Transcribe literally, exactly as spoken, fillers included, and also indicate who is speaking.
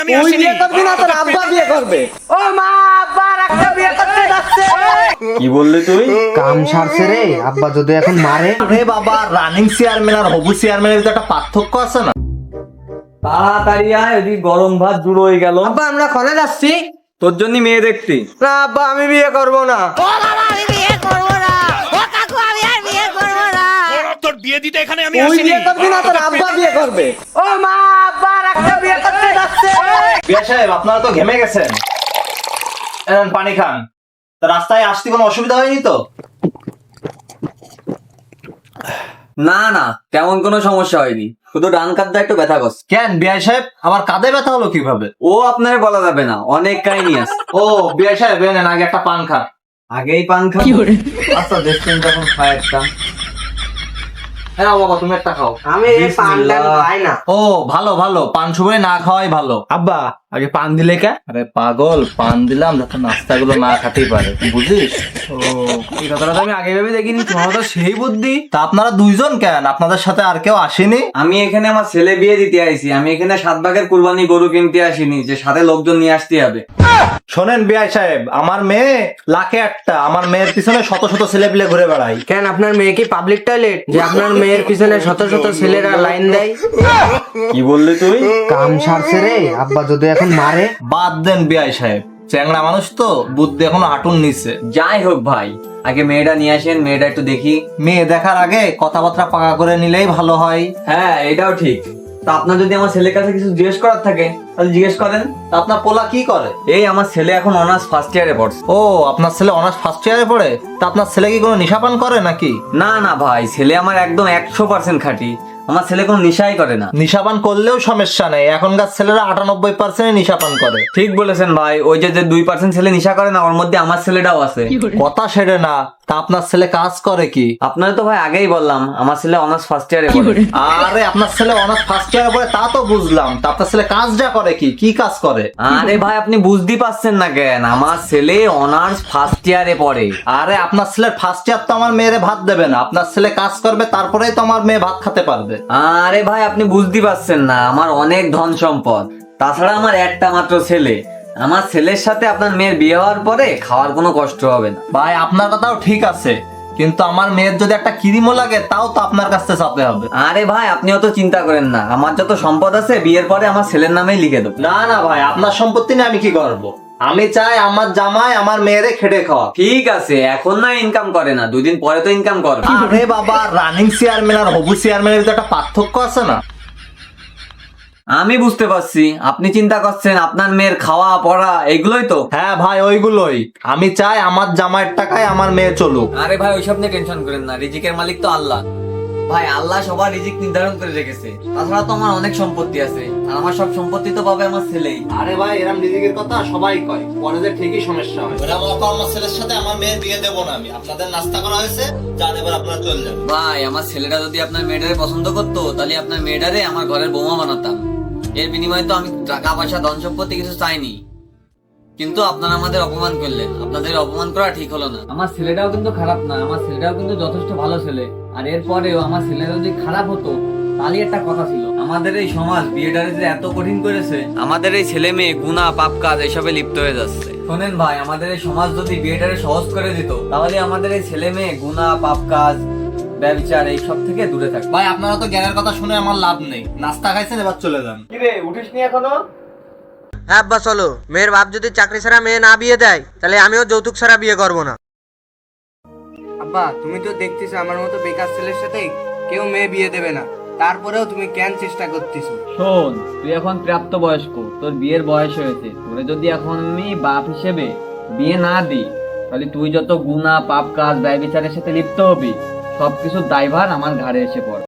Speaker 1: তুই বিয়ে করবি না, তোর আব্বা বিয়ে করবে। ও মা, আব্বা একটা বিয়ে করতে যাচ্ছে।
Speaker 2: কি বললি তুই?
Speaker 3: কাম সারছে রে, আব্বা যদি এখন মারে।
Speaker 2: আরে বাবা, রানিং চেয়ারম্যান আর হবু চেয়ারম্যানের ভিতরে একটা পার্থক্য আছে না?
Speaker 4: তাড়াতাড়ি আয়, ওদিকে গরম ভাত জুড়ো হয়ে গেল।
Speaker 1: আব্বা আমরা কনে যাচ্ছি?
Speaker 4: তোর জন্য মেয়ে দেখতে।
Speaker 1: না আব্বা, আমি বিয়ে করব না।
Speaker 5: ও বাবা, আমি বিয়ে করবো না। ও কাকু, আমি আর বিয়ে করবো না।
Speaker 6: তোর বিয়ে দিতে এখানে আমি
Speaker 1: তুই
Speaker 6: আসিনি।
Speaker 1: বিয়ে করবি না, তোর আব্বা বিয়ে করবে। ও মা, আব্বা একটা বিয়ে করতে যাচ্ছে।
Speaker 2: বিয়া সাহেব, আপনারা তো ঘেমে গেছেন, এনেন পানি খান। তা রাস্তায় আসতে কোনো অসুবিধা হয়নি তো?
Speaker 4: না না, তেমন কোনো সমস্যা হয়নি, শুধু ডান কাঁধটা একটু ব্যথা করছে।
Speaker 2: কেন বিয়া সাহেব, আমার কাঁধে ব্যথা হলো কিভাবে?
Speaker 4: ও আপনার বলা যাবে না, অনেক কাহিনী আছে।
Speaker 2: ও বিয়া সাহেব, এনেন আগে একটা পান খান।
Speaker 4: আগেই পান খাও? আচ্ছা দেখছেন যখন খায় একটা।
Speaker 2: হ্যাঁ বাবা, তুমি একটা খাও।
Speaker 1: আমি এই পান টান খাই না।
Speaker 2: ও ভালো ভালো, পান সুপারি না খাওয়াই ভালো।
Speaker 1: আব্বা আগে পান দিলে কে?
Speaker 2: আরে পাগল, পান দিলাম যাতে নাস্তাগুলো না খাতেই পারে, বুঝিস?
Speaker 1: ও, এই কথাটা তো আমি আগে ভেবে দেখিনি। তোমার তো সেই বুদ্ধি।
Speaker 2: তা আপনারা দুইজন কেন, আপনাদের সাথে আর কেউ আসেনি?
Speaker 4: আমি এখানে আমার ছেলে বিয়ে দিতে আইছি, আমি এখানে সাত ভাগের কুরবানি গরু কিনতে আসিনি যে সাথে লোকজন নিয়ে আসতে হবে।
Speaker 2: শোনেন বিআই সাহেব, আমার মেয়ে লাখে একটা, আমার মেয়ের পিছনে শত শত ছেলে পিলে ঘুরে বেড়াই।
Speaker 1: কেন আপনার মেয়ে কি পাবলিক টয়লেট যে আপনার মেয়ের পিছনে শত শত ছেলেরা লাইন দেয়?
Speaker 2: কি বললি তুই?
Speaker 3: কাম সারছে রে, আব্বা যদি এখন মারে।
Speaker 2: বাদ দেন বিআই সাহেব, চ্যাংড়া মানুষ তো, বুদ্ধি এখনো হাঁটুর নিচে।
Speaker 4: যাই হোক ভাই, আগে মেয়েটা নিয়ে আসেন, মেয়েটা একটু দেখি।
Speaker 2: মেয়ে দেখার আগে কথাবার্তা পাকা করে নিলেই ভালো হয়।
Speaker 4: হ্যাঁ এটাও ঠিক। তা আপনার যদি আমার ছেলের কাছে কিছু জিজ্ঞেস করার থাকে তাহলে জিজ্ঞেস করেন।
Speaker 2: তা আপনার পোলা কি করে?
Speaker 4: এই আমার ছেলে এখন অনার্স ফার্স্ট ইয়ারে পড়ছে।
Speaker 2: ও, আপনার ছেলে অনার্স ফার্স্ট ইয়ারে পড়ে? তা আপনার ছেলে কি কোনো নেশাপান করে নাকি?
Speaker 4: না না ভাই, ছেলে আমার একদম একশো পার্সেন্ট খাঁটি। আমার ছেলে কোনো নেশাই করে না।
Speaker 2: নেশাপান করলেও সমস্যা নেই, এখনকার ছেলেরা আটানব্বই পার্সেন্ট নেশাপান করে।
Speaker 4: ঠিক বলেছেন ভাই, ওই যে যে দুই পার্সেন্ট ছেলে নেশা করে না, ওর মধ্যে আমার ছেলেটাও আছে।
Speaker 2: কথা সেরে না, তা আপনার ছেলে কাজ করে কি?
Speaker 4: আপনার তো ভাই আগেই বললাম আমার ছেলে অনার্স ফার্স্ট ইয়ারে পড়ে।
Speaker 2: আরে আপনার ছেলে অনার্স ফার্স্ট ইয়ারে পড়ে তা তো বুঝলাম, তা আপনার ছেলে কাজটা করে কি? কি কাজ করে?
Speaker 4: আরে ভাই আপনি বুঝতেই পারছেন না কেন, আমার ছেলে অনার্স ফার্স্ট ইয়ারে পড়ে।
Speaker 2: আরে আপনার ছেলের ফার্স্ট ইয়ার তো আমার মেয়েরে ভাত দেবে না, আপনার ছেলে কাজ করবে তারপরেই তো আমার মেয়ে ভাত খেতে পারবে।
Speaker 4: আরে ভাই আপনি বুঝতেই পারছেন না, আমার অনেক ধন সম্পদ, তাছাড়া আমার একটা মাত্র ছেলে। আমার ছেলের সাথে আপনার মেয়ের বিয়ে হওয়ার পরে খাওয়ার কোনো কষ্ট হবে না।
Speaker 2: ভাই আপনার কথাও ঠিক আছে, কিন্তু আমার মেয়ের যদি একটা কিরিমও লাগে তাও তো আপনার কাছে চাপতে হবে।
Speaker 4: আরে ভাই আপনি অত চিন্তা করেন না, আমার যত সম্পদ আছে বিয়ের পরে আমার ছেলের নামেই লিখে দেবো।
Speaker 2: না না ভাই, আপনার সম্পত্তি নিয়ে আমি কি করব? আমি চাই আমার জামাই আমার মেয়েরে খেটে খাওয়া।
Speaker 4: ঠিক আছে, এখন না ইনকাম করে না, দুদিন পরে তো ইনকাম করবে।
Speaker 2: আরে বাবা, রানিং চেয়ারম্যান আর হবু চেয়ারম্যানের ভিতরে একটা পার্থক্য আছে না?
Speaker 4: আমি বুঝতে পারছি, আপনি চিন্তা করছেন আপনার মেয়ের খাওয়া পড়া এগুলোই তো।
Speaker 2: হ্যাঁ ভাই, ওইগুলোই। আমি চাই আমার জামাইয়ের টাকায় আমার মেয়ে চলুক।
Speaker 4: আরে ভাই ওইসব নিয়ে টেনশন করেন না, রিজিকের মালিক তো আল্লাহ। ভাই আল্লাহ সবার রিজিক নির্ধারণ করে রেখেছে, তাছাড়া তো আমার অনেক সম্পত্তি আছে, আর আমার সব সম্পত্তি তো পাবে আমার ছেলেই।
Speaker 2: আরে ভাই, এরকম রিজিকের কথা সবাই কয়, পরে যে ঠিকই সমস্যা হয়। এরকম অত আমার ছেলের সাথে আমার মেয়ের বিয়ে দেবো না আমি। আপনাদের নাস্তা করা হয়েছে, যান এবার আপনারা চলে যান।
Speaker 4: ভাই আমার ছেলেটা যদি আপনার মেয়েটারে পছন্দ করতো তাহলে আপনার মেয়েটারে আমার ঘরের বৌমা বানাতাম। এর বিনিময়ে তো আমি টাকা পয়সা ধন সম্পত্তি কিছু চাইনি, কিন্তু আপনারা আমাদের অপমান করলেন, আপনাদের অপমান করা ঠিক হলো না। আমার ছেলেটাও কিন্তু খারাপ না, আমার ছেলেটাও কিন্তু যথেষ্ট ভালো ছেলে, আর এরপরেও আমার ছেলেটা যদি খারাপ হতো তাহলে একটা কথা ছিল। আমাদের এই সমাজ বিয়েটারে যে এত কঠিন করেছে, আমাদের এই ছেলে মেয়ে গুনাহ পাপ কাজ এসবে লিপ্ত হয়ে যাচ্ছে। শোনেন ভাই, আমাদের এই সমাজ যদি বিয়েটারে সহজ করে দিত তাহলে আমাদের এই ছেলে মেয়ে গুনাহ পাপ কাজ ব্যবচার এই সব থেকে দূরে থাকবে।
Speaker 2: ভাই আপনারা তো জ্ঞানের কথা শুনে আমার লাভ নেই, নাস্তা খাইছেন, এবার চলে যান।
Speaker 4: কিরে উঠিস নি এখনো?
Speaker 1: হ্যাঁ আব্বা চলো। মেয়ের বাপ যদি চাকরি ছাড়া মেয়ে না বিয়ে দেয় তাহলে আমিও যৌতুক ছাড়া বিয়ে করব না। আব্বা তুমি তো দেখতেছো আমার মতো বেকার ছেলের সাথে কেউ মেয়ে বিয়ে দেবে না, তারপরেও তুমি কেন চেষ্টা করতেছো?
Speaker 4: শোন, তুই এখন প্রাপ্ত বয়স্ক, তোর বিয়ের বয়স হয়েছে, তোরে যদি এখন আমি বাপ হিসেবে বিয়ে না দিই তাহলে তুই যত গুনাহ পাপ কাজ ব্যভিচারের সাথে লিপ্ত হবি সবকিছুর দায়ভার আমার ঘাড়ে এসে পড়ে।